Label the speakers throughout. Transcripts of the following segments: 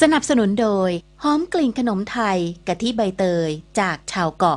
Speaker 1: สนับสนุนโดยหอมกลิ่นขนมไทยกะทิใบเตยจากชาวเกาะ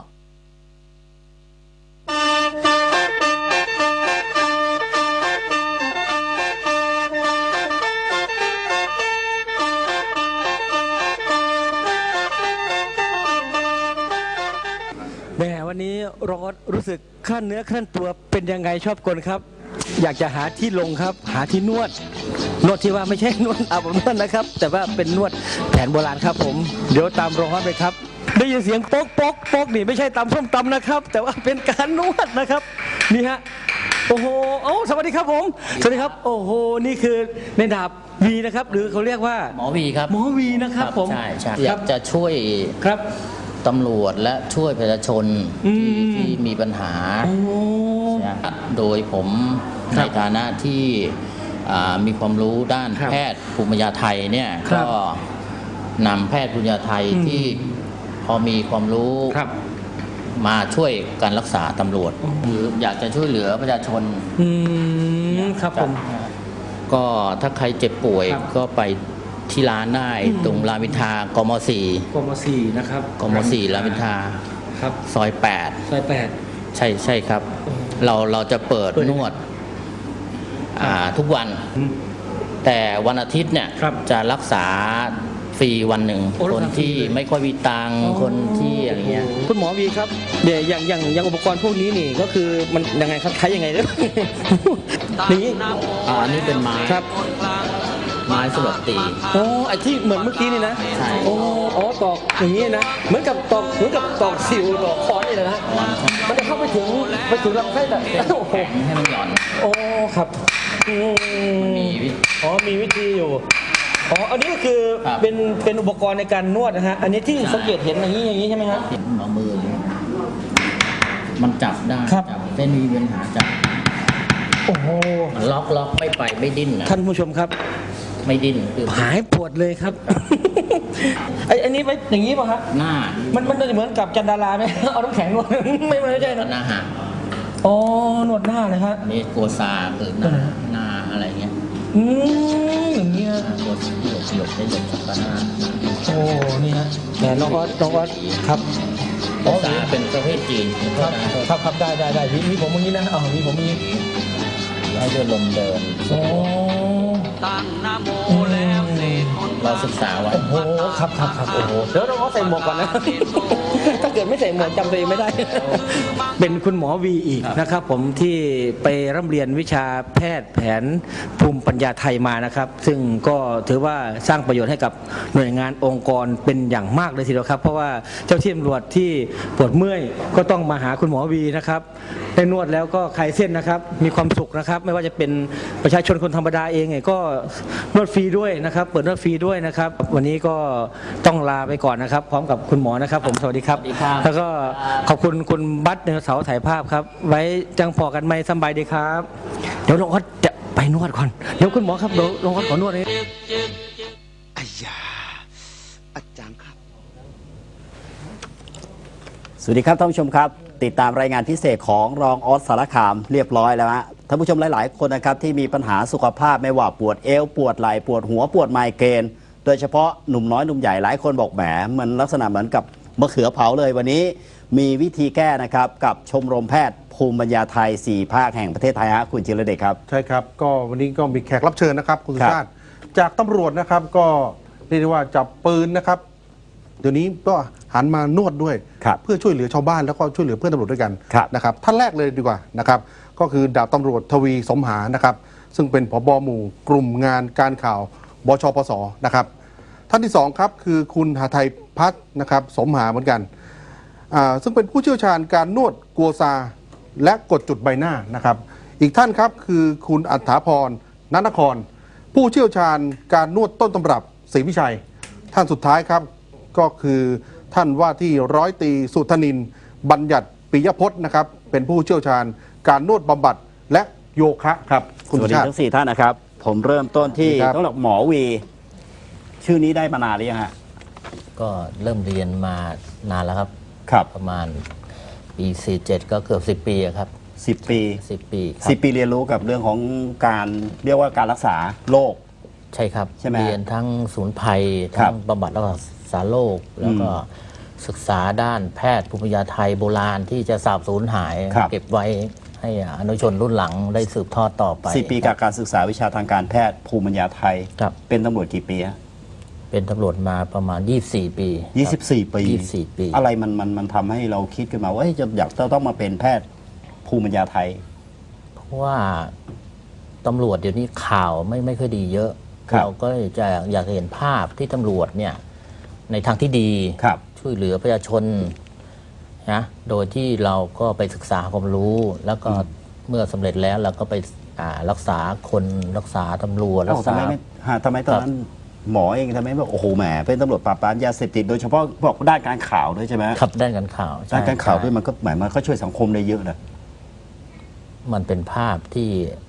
Speaker 2: แม่วันนี้ร้อนรู้สึกขั้นเนื้อขั้นตัวเป็นยังไงชอบกลครับอยากจะหาที่ลงครับหาที่นวดที่ว่าไม่ใช่นวดอาบอบนวดนะครับแต่ว่าเป็นนวดแผนโบราณครับผมเดี๋ยวตามรองฮอตไปครับได้ยินเสียงโป๊กโป๊กโป๊กนี่ไม่ใช่ตำส้มตำนะครับแต่ว่าเป็นการนวดนะครับนี่ฮะโอ้โหสวัสดีครับผมสวัสดีครับโอ้โหนี่คือในดาบวีนะครับหรือเขาเรียกว่า
Speaker 3: หมอวีครับ
Speaker 2: หมอวีนะครับผม
Speaker 3: ใช่อยากจะช่วย
Speaker 2: ครับ
Speaker 3: ตำรวจและช่วยประชาชนที่มีปัญหาโดยผมในฐานะที่มีความรู้ด้านแพทย์ภูมิปัญญาไทยเนี่ยก็นำแพทย์ภูมิปัญญาไทยที่พอมีความรู้มาช่วยการรักษาตำรวจหรืออยากจะช่วยเหลือประชาชน
Speaker 2: ครับผม
Speaker 3: ก็ถ้าใครเจ็บป่วยก็ไปที่ร้านได้ตรงรามอินทรากม.4
Speaker 2: นะครับ
Speaker 3: กม.4รามอินทรา
Speaker 2: ครับ
Speaker 3: ซอย8ใช่ครับเราจะเปิดนวดทุกวันแต่วันอาทิตย์เนี่ยจะรักษาฟรีวันหนึ่งคนที่ไม่ค่อยมีตังค์คนที่อะไรเงี้ย
Speaker 2: คุณหมอวีครับเดี๋ยวอย่างอุปกรณ์พวกนี้นี่ก็คือมันยังไงครับใช้ยังไงเนี่ยนี่
Speaker 3: อันนี้เป็นไม้
Speaker 2: ครับ
Speaker 3: ไม้สำหรับตี
Speaker 2: ไอ้ที่เหมือนเมื่อกี้นี่นะ
Speaker 3: ใช่
Speaker 2: ตอกอย่างนี้นะเหมือนกับตอกสิวตอกค้อนนี่นะมันจะเข้าไปถึงลำไส้แต่
Speaker 3: ให้มันหย่อน
Speaker 2: ครับมีวิธีอยู่อันนี้ก็คือเป็นอุปกรณ์ในการนวดนะฮะอันนี้ที่สังเกตเห็นอย่างนี้ใช่ไหมครับ
Speaker 3: เอามือมันจับได้จับเส้นมีปัญหาจับมันล็อกไม่ดิ้นนะ
Speaker 2: ท่านผู้ชมครับ
Speaker 3: ไม่ดิ้น
Speaker 2: หายปวดเลยครับอันนี้ไปอย่างนี้ป่ะครับ
Speaker 3: หน้า
Speaker 2: มันจะเหมือนกับจันดาราไหมเอาน้ำแข็งนวดไม่ใช่นะ
Speaker 3: หน้าหัก
Speaker 2: นวดหน้าเลยครับ
Speaker 3: นี่โกซาคือหน้าอะไรเงี้ย
Speaker 2: อย่างเงี้ย
Speaker 3: ตัวหยกได้หยกจากหน้า
Speaker 2: นี่ฮะแต่น้องออสครับ
Speaker 3: โกซาเป็นประเภทจีน
Speaker 2: ครับได้มีผมอย่างนี้นะมีผมอย่างนี้
Speaker 3: ให้ด้วยลมเดินเราศึกษาไว้
Speaker 2: ครับเดี๋ยวเราใส่หมวกก่อนนะถ้าเกิดไม่ใส่หมวกจำตัวเองไม่ได้เป็นคุณหมอวีอีกนะครับผมที่ไปร่ำเรียนวิชาแพทย์แผนภูมิปัญญาไทยมานะครับซึ่งก็ถือว่าสร้างประโยชน์ให้กับหน่วยงานองค์กรเป็นอย่างมากเลยทีเดียวครับเพราะว่าเจ้าที่ตำรวจที่ปวดเมื่อยก็ต้องมาหาคุณหมอวีนะครับได้นวดแล้วก็คลายเส้นนะครับมีความสุขนะครับไม่ว่าจะเป็นประชาชนคนธรรมดาเองไงก็นวดฟรีด้วยนะครับเปิดนวดฟรีด้วยนะครับวันนี้ก็ต้องลาไปก่อนนะครับพร้อมกับคุณหมอนะครับผมสวัสดีครับแล้วก็ขอบคุณคุณบัตรเสาถ่ายภาพครับไว้จังพอกันไหมสบายดีครับเดี๋ยวน้องออสจะไปนวดก่อนเดี๋ยวคุณหมอครับเดี๋ยวน้องออสขอนวดเลย
Speaker 4: อาจารย์ครับสวัสดีครับท่านผู้ชมครับติดตามรายงานพิเศษของรองออสสารคามเรียบร้อยแล้วฮะท่านผู้ชมหลายๆคนนะครับที่มีปัญหาสุขภาพไม่ว่าปวดเอวปวดไหล่ปวดหัวปวดไมเกรนโดยเฉพาะหนุ่มน้อยหนุ่มใหญ่หลายคนบอกแหมมันลักษณะเหมือนกับมะเขือเผาเลยวันนี้มีวิธีแก้นะครับกับชมรมแพทย์ภูมิปัญญาไทย4ภาคแห่งประเทศไทยฮะคุณจิรเดชครับ
Speaker 5: ใช่ครับก็วันนี้ก็มีแขกรับเชิญนะครับคุณสุชาติจากตำรวจนะครับก็เรียกได้ว่าจับปืนนะครับเดี๋ยวนี้ก็หันมานวดด้วยเพื่อช่วยเหลือชาวบ้านแล้วก็ช่วยเหลือเพื่อนตำรวจด้วยกันนะครับท่านแรกเลยดีกว่านะครับก็คือดาบตำรวจทวีสมหานะครับซึ่งเป็นผบ.หมู่กลุ่มงานการข่าวบชปสนะครับท่านที่2ครับคือคุณหทัยพัฒน์นะครับสมหาเหมือนกันซึ่งเป็นผู้เชี่ยวชาญการนวดกัวซาและกดจุดใบหน้านะครับอีกท่านครับคือคุณอัฏฐาพรณนครผู้เชี่ยวชาญการนวดต้นตำรับศรีวิชัยท่านสุดท้ายครับก็คือท่านว่าที่ร้อยตรีสุธนินบัญญัติปิยพจน์นะครับเป็นผู้เชี่ยวชาญการนวดบำบัดและโยคะครับ
Speaker 4: สวัสดีทั้ง4ท่านนะครับผมเริ่มต้นที่ต้องบอกหมอวีชื่อนี้ได้มานานหรือยังฮะ
Speaker 3: ก็เริ่มเรียนมานานแล้วครับประมาณปี47ก็เกือบ10 ปีครับ
Speaker 4: 10 ปีเรียนรู้กับเรื่องของการเรียกว่าการรักษาโรค
Speaker 3: ใช่ครับ
Speaker 4: ใช่ไหม
Speaker 3: เรียนทั้งศูนย์ภัย
Speaker 4: ครั
Speaker 3: ทั้
Speaker 4: บ
Speaker 3: งบำบัดรักษาโรคแล้วก็ศึกษาด้านแพทย์ภูมิปัญญาไทยโบราณที่จะสาบสูญหาย
Speaker 4: ครับ
Speaker 3: เก็บไว้ให้อนุชนรุ่นหลังได้สืบทอดต่อไป
Speaker 4: 4 ปีกับการศึกษาวิชาทางการแพทย์ภูมิปัญญาไทย
Speaker 3: ครับ
Speaker 4: เป็นตำรวจกี่ปีฮะ
Speaker 3: เป็นตำรวจมาประมาณ 24 ปีครับ
Speaker 4: 24 ปี
Speaker 3: 24 ปี
Speaker 4: อะไรมันทำให้เราคิดขึ้นมาว่าเฮ้ยจะอยากต้องมาเป็นแพทย์ภูมิปัญญาไทย
Speaker 3: เพราะว่าตำรวจเดี๋ยวนี้ข่าวไม่ค่อยดีเยอะ
Speaker 4: ครับ
Speaker 3: เราก็จะอยากเห็นภาพที่ตำรวจเนี่ยในทางที่ดี
Speaker 4: ครับ
Speaker 3: ช่วยเหลือประชาชนนะโดยที่เราก็ไปศึกษาความรู้ แล้วก็เมื่อสำเร็จแล้วเราก็ไปรักษาคนรักษาตำรวจรั
Speaker 4: เอ้าก ทำ
Speaker 3: ษา
Speaker 4: ไมไม่ทำไมตอนนั้นหมอเองทำไมแบบโอ้โหแหมเป็นตำรวจปราบปรามยาเสพติดโดยเฉพาะบอกด้านการข่าวด้วยใช่ไหม
Speaker 3: ขับด้านการข่าว
Speaker 4: ด้านการข่าวด้วย
Speaker 3: ใช่
Speaker 4: มันก็หมายมันก็ช่วยสังคมได้เยอะนะ
Speaker 3: มันเป็นภาพที่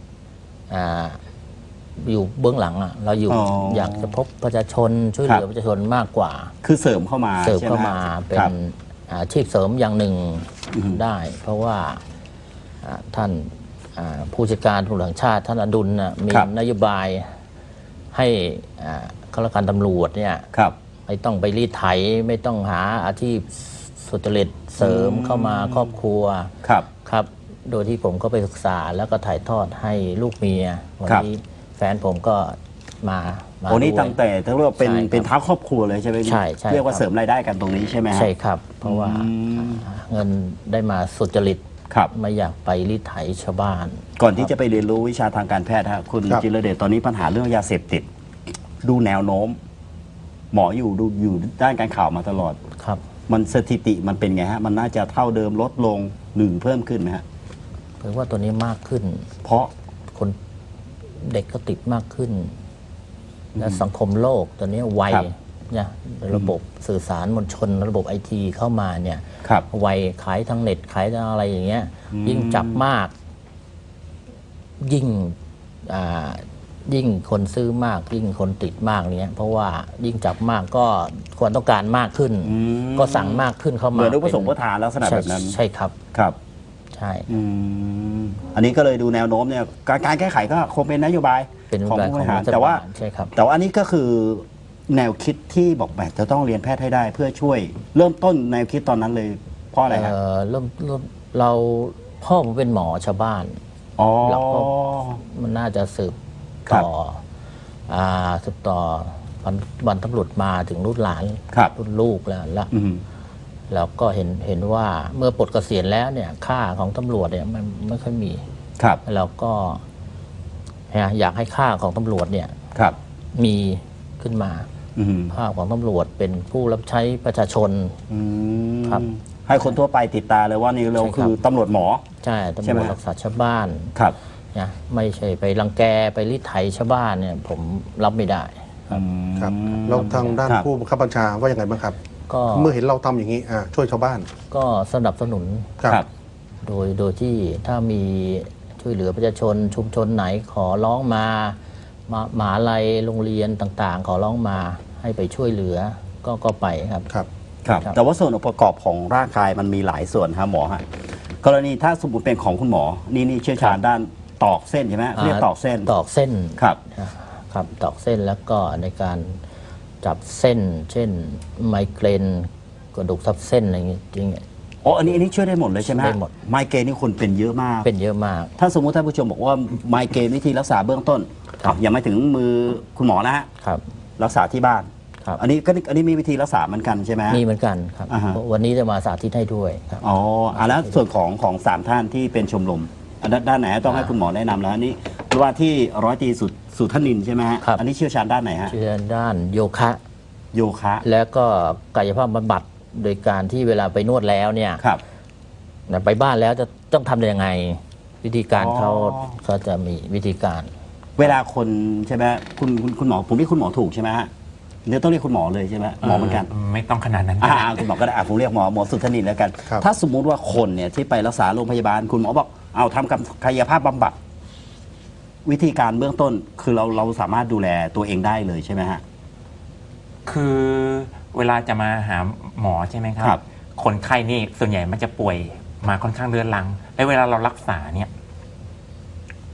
Speaker 3: อยู่เบื้องหลังอะเราอยู่อยากจะพบประชาชนช่วยเหลือประชาชนมากกว่า
Speaker 4: คือเสริมเข้ามา
Speaker 3: เสริม
Speaker 4: ใช่ไห
Speaker 3: เข้ามา
Speaker 4: ฮะ
Speaker 3: เป็
Speaker 4: คน รับ
Speaker 3: อาชีพเสริมอย่างหนึ่ง
Speaker 4: อือฮึ
Speaker 3: ได้ เพราะว่าท่านผู้จัดการตำรวจแห่งชาติท่านอดุลน่ะมี
Speaker 4: ครับ
Speaker 3: นโยบายให้ข้าราชการตำรวจเนี่ย
Speaker 4: ครับ
Speaker 3: ไม่ต้องไปรีดไถไม่ต้องหาอาชีพสุจริตเสริมเข้ามาครอบครัว
Speaker 4: ครับ
Speaker 3: ครับ โดยที่ผมก็ไปศึกษาแล้วก็ถ่ายทอดให้ลูกเมียวัน
Speaker 4: ครับ
Speaker 3: นี้แฟนผมก็มา
Speaker 4: โอ้นี่
Speaker 3: ด้วย
Speaker 4: ตั้งแต่ถ้าเรียกว่าเป็น
Speaker 3: ใช่ครับ
Speaker 4: เป็นเท้าครอบครัวเลยใช่ไหม
Speaker 3: ใช่ใช่
Speaker 4: เรียกว่า
Speaker 3: ครับ
Speaker 4: เสริมรายได้กันตรงนี้ใช่ไหมฮะ
Speaker 3: ใช่ครับ เพราะว่า
Speaker 4: อืม
Speaker 3: เงินได้มาสุจริต
Speaker 4: ครับ
Speaker 3: ไม่อยากไปรีดไถชาวบ้าน
Speaker 4: ก่อนที่จะไปเรียนรู้วิชาทางการแพทย์ฮะคุณ
Speaker 5: ครับ
Speaker 4: จิรเดชตอนนี้ปัญหาเรื่องยาเสพติด ดูแนวโน้ม หมออยู่ด้านการข่าวมาตลอด
Speaker 3: ครับ
Speaker 4: มันสถิติมันเป็นไงฮะ มันน่าจะเท่าเดิมลดลงหรือเพิ่มขึ้นไหมฮะ
Speaker 3: เพราะว่าตัวนี้มากขึ้น
Speaker 4: เพราะ
Speaker 3: คนเด็กก็ติดมากขึ้น และสังคมโลกตัวนี้ไว
Speaker 4: ครับ
Speaker 3: เนี่ยระบบสื่อสารมวลชน ระบบไอทีเข้ามาเนี่ย
Speaker 4: ครับ
Speaker 3: ไวขายทางเน็ตขายทางอะไรอย่างเงี้ย ยิ่งจับมาก ยิ่งยิ่งคนซื้อมาก ยิ่งคนติดมากเนี้ยเพราะว่ายิ่งจับมากก็ความต้องการมากขึ้น ก็สั่งมากขึ้นเข้า
Speaker 4: เห
Speaker 3: มา
Speaker 4: มือนอุปสงค์
Speaker 3: เป็
Speaker 4: อุปทานลักษณะแบบนั้น
Speaker 3: ใช่ครับ
Speaker 4: ครับ
Speaker 3: ใช่
Speaker 4: อันนี้ก็เลยดูแนวโน้มเนี่ยการแก้ไขก็คงเป็นนโยบาย
Speaker 3: เป็น
Speaker 4: ของ
Speaker 3: แบบ
Speaker 4: ผู้บ
Speaker 3: ของ
Speaker 4: ริหาร
Speaker 3: รัฐ
Speaker 4: แต่ว่า
Speaker 3: บาลใช่ครับ
Speaker 4: แต่ว่าอันนี้ก็คือแนวคิดที่บอกแบบจะต้องเรียนแพทย์ให้ได้เพื่อช่วย เริ่มต้นแนวคิดตอนนั้นเลยเพราะอะไรครับ
Speaker 3: เริ่มเราพ่อผมเป็นหมอชาวบ้าน
Speaker 4: อ๋อ
Speaker 3: เราก็ มันน่าจะสืบ
Speaker 4: ครับ
Speaker 3: ต่อสืบต่อวันตำรวจมาถึงรุ่นหลาน
Speaker 4: ครับ
Speaker 3: รุ่นลูกแล้ว
Speaker 4: อืม
Speaker 3: แล้วก็เห็นว่าเมื่อปลดเกษียณแล้วเนี่ยค่าของตำรวจเนี่ยมันไม่ค่อยมี
Speaker 4: ครับ
Speaker 3: เราก็อยากให้ค่าของตำรวจเนี่ย
Speaker 4: ครับ
Speaker 3: มีขึ้นมา
Speaker 4: อืม
Speaker 3: ค่าของตำรวจเป็นผู้รับใช้ประชาชน
Speaker 4: อืม
Speaker 3: ครับ
Speaker 4: ให้คนทั่วไปติดตาเลยว่านี่เรา
Speaker 3: ใช่ครับ
Speaker 4: คือตำรวจหมอ
Speaker 3: ใช่ตำ
Speaker 4: ใช่
Speaker 3: ร
Speaker 4: ไหม
Speaker 3: วจรักษาชาวบ้าน
Speaker 4: ครับ
Speaker 3: นะไม่ใช่ไปรังแกไปรีดไถชาวบ้านเนี่ยผมรับไม่ได้
Speaker 5: ครับแล้วทางด้าน
Speaker 4: ครับ
Speaker 5: ผู้บังคับบัญชาว่ายังไงบ้างครับ
Speaker 3: ก็
Speaker 5: เมื่อเห็นเราทำอย่างนี้ช่วยชาวบ้าน
Speaker 3: ก็สนับสนุน
Speaker 4: ครับ
Speaker 3: โดยที่ถ้ามีช่วยเหลือประชาชนชุมชนไหนขอร้องมามหาลัยโรงเรียนต่างๆ ขอร้องมาให้ไปช่วยเหลือก็ไปครับ
Speaker 5: ครับ
Speaker 4: ครับ
Speaker 3: ครับ
Speaker 4: แต่ว่าส่วนองค์ประกอบของร่างกายมันมีหลายส่วนครับหมอฮะกรณีถ้าสมมติเป็นของคุณหมอนี่เชี่ยวชาญด้านตอกเส้นใช่ไหมเรียกตอกเส้น
Speaker 3: ตอกเส้น
Speaker 4: ครับ
Speaker 3: ครับตอกเส้นแล้วก็ในการจับเส้น เช่นไมเกรนกระดูกทับเส้นอะไรอย่างเงี้ยจริง
Speaker 4: อ๋ออันนี้ช่วยได้หมดเลยใช่ไหม
Speaker 3: ได้หมด
Speaker 4: ไมเกรนนี่คนเป็นเยอะมาก
Speaker 3: เป็นเยอะมาก
Speaker 4: ถ้าสมมุติท่านผู้ชมบอกว่าไมเกรนวิธีรักษาเบื้องต้น
Speaker 3: ครับ
Speaker 4: ยังไม่ถึงมือคุณหมอนะฮะ
Speaker 3: ครับ
Speaker 4: รักษาที่บ้าน
Speaker 3: ครับ
Speaker 4: อันนี้มีวิธีรักษาเหมือนกันใช่ไหมฮะ
Speaker 3: มีเหมือนกันครับ
Speaker 4: อ่าฮะ
Speaker 3: วันนี้จะมาสาธิตให้ด้วยครับ
Speaker 4: อ๋อแล้วส่วนของสามท่านที่เป็นชมรมอันด้านไหนต้องให้คุณหมอแนะนำแล้วอันนี้ว่าที่ร้อยตรีสุทนินใช่ไหมฮะ
Speaker 3: ครับ
Speaker 4: อันนี้เชี่ยวชาญด้านไหนฮะ
Speaker 3: เชื่อด้านโยคะ
Speaker 4: โยคะ
Speaker 3: แล้วก็กายภาพบำบัดโดยการที่เวลาไปนวดแล้วเนี่ย
Speaker 4: ครับ
Speaker 3: ไปบ้านแล้วจะต้องทำยังไง วิธีการ
Speaker 4: อ๋อ
Speaker 3: เขาจะมีวิธีการ
Speaker 4: เวลาคนใช่ไหมคุณหมอผมเรียกคุณหมอถูกใช่ไหมฮะเดี๋ยวต้องเรียกคุณหมอเลยใช่ไหมหมอเหมือนกัน
Speaker 6: ไม่ต้องขนาดนั้น
Speaker 4: คุณหมอก็ได้ผมเรียกหมอสุทนินแล้วกัน
Speaker 5: ครับ
Speaker 4: ถ้าสมมุติว่าคนเนี่ยที่ไปรักษาโรงพยาบาลคุณหมอบอกเอาทำกับกายภาพบำบัดวิธีการเบื้องต้นคือเราสามารถดูแลตัวเองได้เลยใช่ไหมฮะ
Speaker 6: คือเวลาจะมาหาหมอใช่ไหมครั
Speaker 4: ครับ
Speaker 6: คนไข้นี่ส่วนใหญ่มันจะป่วยมาค่อนข้างเรื้อรัง และเวลาเรารักษาเนี่ย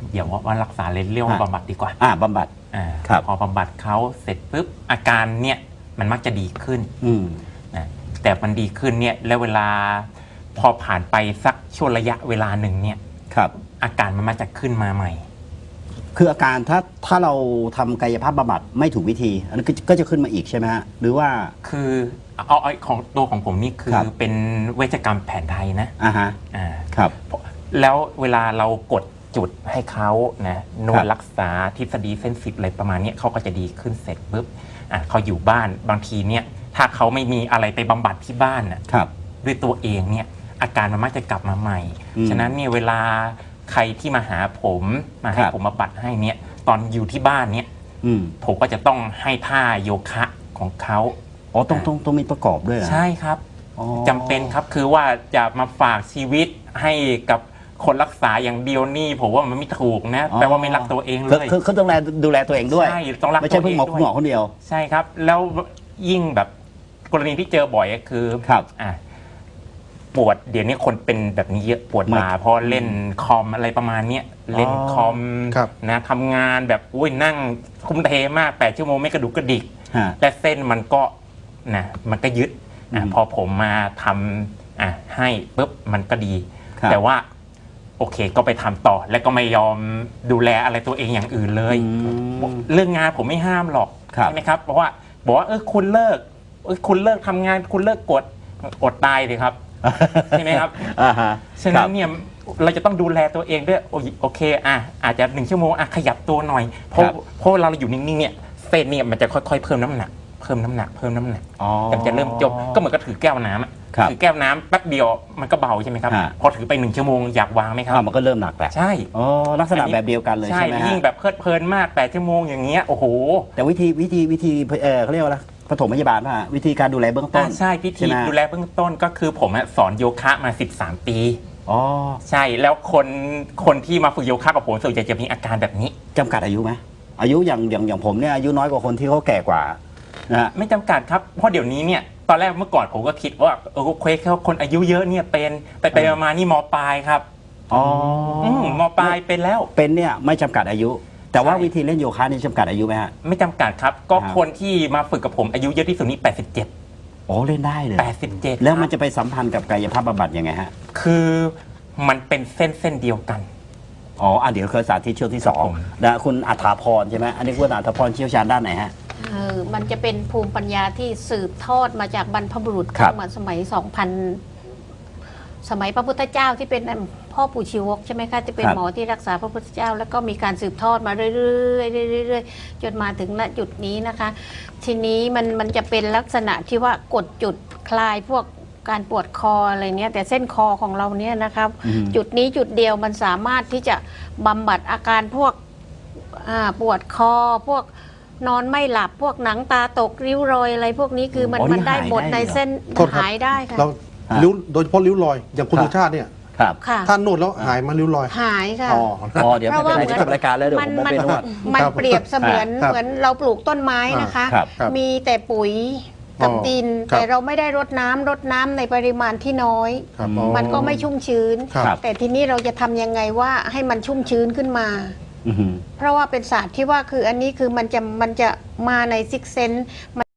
Speaker 6: เดี๋ยวว่ารักษาเลยเรียกว่าบำบัดดีกว่า
Speaker 4: บำบัด ครับ
Speaker 6: พอบำบัดเขาเสร็จปุ๊บอาการเนี่ยมันมักจะดีขึ้น
Speaker 4: อืม
Speaker 6: นะแต่มันดีขึ้นเนี่ยแล้วเวลาพอผ่านไปสักช่วงระยะเวลาหนึ่งเนี่ย
Speaker 4: ครับ
Speaker 6: อาการมันมักจะขึ้นมาใหม่
Speaker 4: คืออาการถ้าเราทำกายภาพบำบัดไม่ถูกวิธี อันนั้นก็จะขึ้นมาอีกใช่ไหมฮะ หรือว่า
Speaker 6: คือเอาของตัวของผมนี่คือ
Speaker 4: ครับ
Speaker 6: เป็นเวชกรรมแผนไทยนะ
Speaker 4: อ่าฮะ
Speaker 6: อ่า
Speaker 4: ครับ
Speaker 6: แล้วเวลาเรากดจุดให้เขานะนว
Speaker 4: ครั
Speaker 6: ด
Speaker 4: บ
Speaker 6: รักษาทฤษฎีเส้นสิบอะไรประมาณเนี้ยเขาก็จะดีขึ้นเสร็จปุ๊บเขาอยู่บ้านบางทีเนี่ยถ้าเขาไม่มีอะไรไปบำบัดที่บ้านน่ะ
Speaker 4: ครับ
Speaker 6: ด้วยตัวเองเนี่ยอาการมันมักจะกลับมาใหม่
Speaker 4: อืม
Speaker 6: ฉะนั้นเนี่ยเวลาใครที่มาหาผมมาให้
Speaker 4: ครับ
Speaker 6: ผมบำบัดให้เนี่ยตอนอยู่ที่บ้านเนี่ย
Speaker 4: อืม
Speaker 6: ผมก็จะต้องให้ท่าโยคะของเขา
Speaker 4: อ๋อต้องมีประกอบด้วยเหรอ
Speaker 6: ใช่ครับ
Speaker 4: อ๋อ
Speaker 6: จำเป็นครับคือว่าจะมาฝากชีวิตให้กับคนรักษาอย่างเดียวนี่ผมว่ามันไม่ถูกนะแปลว่าไม่รักตัวเองเลย
Speaker 4: คือต้องดูแลตัวเองด้วย
Speaker 6: ใช่ต้องรัก
Speaker 4: ไม่ใช่
Speaker 6: ตัว
Speaker 4: เพิ่
Speaker 6: เอง ง
Speaker 4: หมอคนเดียว
Speaker 6: ใช่ครับ แล้วยิ่งแบบกรณีที่เจอบ่อยก็คือ
Speaker 4: ครับ
Speaker 6: ปวดเดี๋ยวนี้คนเป็นแบบนี้เยอะปวดบ่าเพราะเล่นคอมอะไรประมาณเนี้ยเล่นคอม
Speaker 5: ครับ
Speaker 6: นะทำงานแบบอุ้ยนั่งคุ้มเทมาก8 ชั่วโมงไม่กระดุกกระดิก
Speaker 4: ฮะ
Speaker 6: และเส้นมันก็นะมันก็ยึด
Speaker 4: อืม
Speaker 6: พอผมมาทำให้ปุ๊บมันก็ดี
Speaker 4: ครับ
Speaker 6: แต่ว่าโอเคก็ไปทำต่อ แล้วก็ไม่ยอมดูแลอะไรตัวเองอย่างอื่นเลย เรื่องงานผมไม่ห้ามหรอก
Speaker 4: ครับ
Speaker 6: ใช่ไหมครับเพราะว่าบอกว่าคุณเลิกทำงานคุณเลิกกดอดตายเลยครับ ใช่ไหมครับ
Speaker 4: อ่าฮะ
Speaker 6: ฉะนั้นเนี่ยเราจะต้องดูแลตัวเองด้วยโอเคอาจจะ1 ชั่วโมงขยับตัวหน่อยเพราะเราอยู่นิ่งๆเนี่ยเส้นเนี่ยมันจะค่อยๆเพิ่มน้ำหนัก
Speaker 4: อ๋อ
Speaker 6: แต่มันจะเริ่มจมก็เหมือนกับถือแก้วน้ำอะ
Speaker 4: ครับ
Speaker 6: ถือแก้วน้ำแป๊บเดียวมันก็เบาใช่ไหมครับ
Speaker 4: ฮะ
Speaker 6: พอถือไป1 ชั่วโมงอยากวางไหมครับ
Speaker 4: มันก็เริ่มหนักแหละ
Speaker 6: ใช่
Speaker 4: อ๋อลักษณะแบบเดียวกันเลยใช่ไหมฮะ
Speaker 6: ยิ่งแบบเพลิดเพลินมาก8 ชั่วโมงอย่างเงี้ยโอ้โห
Speaker 4: แต่วิธีเขาเรียกว่าอะไรปฐมพยาบาลป่ะวิธีการดูแลเบื้องต้น
Speaker 6: ใช่พิธี
Speaker 4: ไหม
Speaker 6: ดูแลเบื้องต้นก็คือผมสอนโยคะมา13 ปี
Speaker 4: อ๋อ
Speaker 6: ใช่แล้วคนที่มาฝึกโยคะกับผมส่วนใหญ่จะมีอาการแบบนี้
Speaker 4: จำกัดอายุไหมอายุอย่างผมเนี่ยอายุน้อยกว่าคนที่เขาแก่กว่านะฮะ
Speaker 6: ไม่จำกัดครับเพราะเดี๋ยวนี้เนี่ยตอนแรกเมื่อก่อนผมก็คิดว่าเควสเขาคนอายุเยอะเนี่ยเป็นไปมานี่มปลายครับ
Speaker 4: อ๋อ
Speaker 6: มปลายเป็นแล้ว
Speaker 4: เป็นเนี่ยไม่จำกัดอายุ แต่ว่า
Speaker 6: ใช่
Speaker 4: วิธีเล่นโยคะนี่จำกัดอายุไหมฮะ
Speaker 6: ไม่จำกัดครับก็
Speaker 4: ครับ
Speaker 6: คนที่มาฝึกกับผมอายุเยอะที่สุดนี่87
Speaker 4: อ๋อเล่นได้เลย
Speaker 6: 87
Speaker 4: แล้วมันจะไปสัมพันธ์กับกายภาพบำบัดยังไงฮะ
Speaker 6: คือมันเป็นเส้นเดียวกัน
Speaker 4: อ๋อเดี๋ยวเคยสาธิตช่วงที่สอง
Speaker 6: ครับผม
Speaker 4: นะคุณอัฐาพรใช่ไหมอันนี้คุณอัฐาพรเชี่ยวชาญด้านไหนฮะ
Speaker 7: มันจะเป็นภูมิปัญญาที่สืบทอดมาจากบรรพบุรุษ
Speaker 4: ครับ
Speaker 7: เหมือนสมัย สมัยพระพุทธเจ้าที่เป็นพ่อปู่ชีวกใช่ไหมคะจะเป็นหมอที่รักษาพระพุทธเจ้า แล้วก็มีการสืบทอดมาเรื่อยๆจนมาถึงณจุดนี้นะคะ ทีนี้มันจะเป็นลักษณะที่ว่ากดจุดคลายพวกการปวดคออะไรเนี้ยแต่เส้นคอของเราเนี่ยนะครับ จุดนี้จุดเดียวมันสามารถที่จะบำบัดอาการพวกปวดคอพวกนอนไม่หลับพวกหนังตาตกริ้วรอยอะไรพวกนี้คือมัน
Speaker 4: อ๋อนี่
Speaker 7: มันได้
Speaker 4: หาย
Speaker 7: หมด
Speaker 4: ได้
Speaker 7: ใน
Speaker 4: เหรอ
Speaker 7: เส้น
Speaker 5: โทษครับ
Speaker 7: หายได้ค่ะ
Speaker 5: เราริ้วโดยเฉพาะริ้วรอยอย่างคุณ
Speaker 4: ครับ
Speaker 5: สุชาติเนี่ย
Speaker 4: ครับ
Speaker 7: ค่ะ
Speaker 5: ท่านนวดแล้วหายมาริ้วรอย
Speaker 7: หายค่ะ
Speaker 4: อ๋อเดี๋ยวไม่เป็นไรที่จบรายการแล้วเดี๋ยวผมไปนวด
Speaker 7: มัน
Speaker 5: ครับ
Speaker 7: เปรียบเสมือน
Speaker 5: ครับ
Speaker 7: เหมือนเราปลูกต้นไม้นะคะ
Speaker 4: ครับ
Speaker 5: ครับ
Speaker 7: มีแต่ปุ๋ยกับ
Speaker 5: อ๋อ
Speaker 7: ดิน
Speaker 5: ครับ
Speaker 7: แต่เราไม่ได้รดน้ำในปริมาณที่น้อย
Speaker 5: ครับ
Speaker 7: มันก็ไม่ชุ่มชื้น
Speaker 5: ครับ
Speaker 7: แต่ทีนี้เราจะทำยังไงว่าให้มันชุ่มชื้นขึ้นมา
Speaker 4: อือหือ
Speaker 7: เพราะว่าเป็นศาสตร์ที่ว่าคืออันนี้คือมันจะมาในซิกเซน